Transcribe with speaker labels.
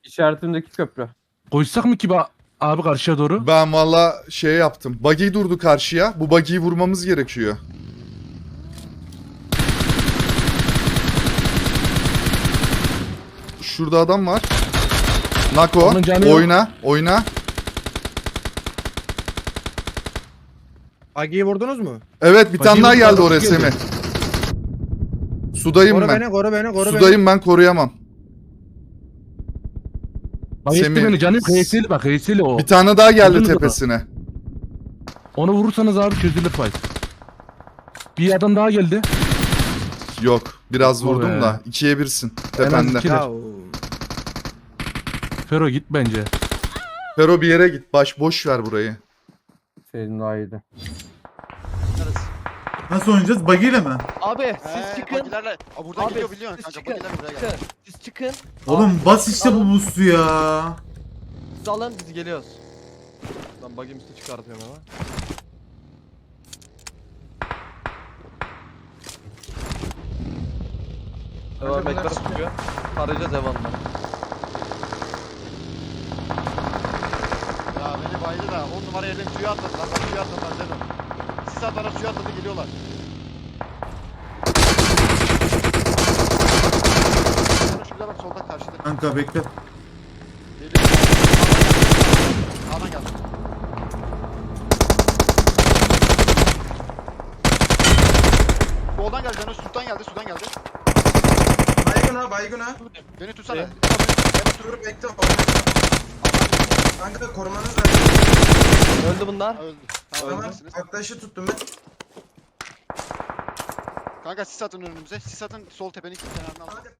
Speaker 1: İşaretimdeki köprü.
Speaker 2: Koşsak mı ki abi karşıya doğru?
Speaker 3: Ben valla şey yaptım. Buggy durdu karşıya. Bu buggy'yi vurmamız gerekiyor. Şurada adam var. Nako.
Speaker 2: Onun canı yok.
Speaker 3: Oyna.
Speaker 4: Agi'yi vurdunuz mu?
Speaker 3: Evet bir tane
Speaker 2: Buggy
Speaker 3: daha
Speaker 2: vurdu,
Speaker 3: geldi
Speaker 2: adam
Speaker 3: oraya
Speaker 2: geldi.
Speaker 3: Semih. Sudayım
Speaker 4: Koru
Speaker 3: ben.
Speaker 4: beni, koru beni, koru beni.
Speaker 3: Sudayım ben, koruyamam.
Speaker 2: Bayılttı
Speaker 3: Semih-
Speaker 2: beni canım. HS'li bak HS'li o.
Speaker 3: Bir tane daha geldi
Speaker 2: Vurdunuz mu?
Speaker 3: tepesine.
Speaker 2: Onu vurursanız abi çözülür fight. Bir adam daha geldi.
Speaker 3: Yok. Biraz
Speaker 2: Yapma
Speaker 3: vurdum
Speaker 2: be.
Speaker 3: da. 2'ye 1'sin.
Speaker 2: En az
Speaker 3: Tepende.
Speaker 2: iki.
Speaker 4: Ya,
Speaker 2: Fero git bence.
Speaker 3: Fero bir yere git. Boş ver burayı.
Speaker 1: Senin daha iyiydi.
Speaker 5: Nasıl oynayacağız? Buggy ile mi?
Speaker 6: Abi siz çıkın.
Speaker 7: Bagilerle. Aa, buradan
Speaker 6: Abi
Speaker 7: gidiyor biliyorsun
Speaker 6: siz
Speaker 7: kanka.
Speaker 6: çıkın.
Speaker 7: Bagiler buraya
Speaker 6: Çıkın.
Speaker 7: geldi.
Speaker 6: Siz çıkın.
Speaker 5: Oğlum bas işte bu boost'u ya.
Speaker 6: Siz alın biz geliyoruz. Ben bug'im üstü çıkartıyorum ama. Devam bekler çıkıyor. Tarayacağız Evan'la.
Speaker 7: Ya beni baydı da 10 numara yerden suya atladılar. Bak suya atladılar dedim. Sis atlara suya atladı geliyorlar. Şurada bak solda karşıda.
Speaker 5: Kanka bekle.
Speaker 7: Geliyor. Sağdan geldi. Soldan geldi. Canı sudan geldi. Sudan geldi.
Speaker 8: Baygın ha.
Speaker 7: Beni tutsana.
Speaker 6: Evet.
Speaker 8: Dur bekle. Kanka korumanız lazım.
Speaker 6: Öldü bunlar.
Speaker 7: Ha, öldü. Tamam,
Speaker 8: Tamam.
Speaker 7: öldürsünüz.
Speaker 8: Arkadaşı tuttum ben.
Speaker 7: Kanka sis atın önümüze. Sis atın sol tepenin kenarına alın.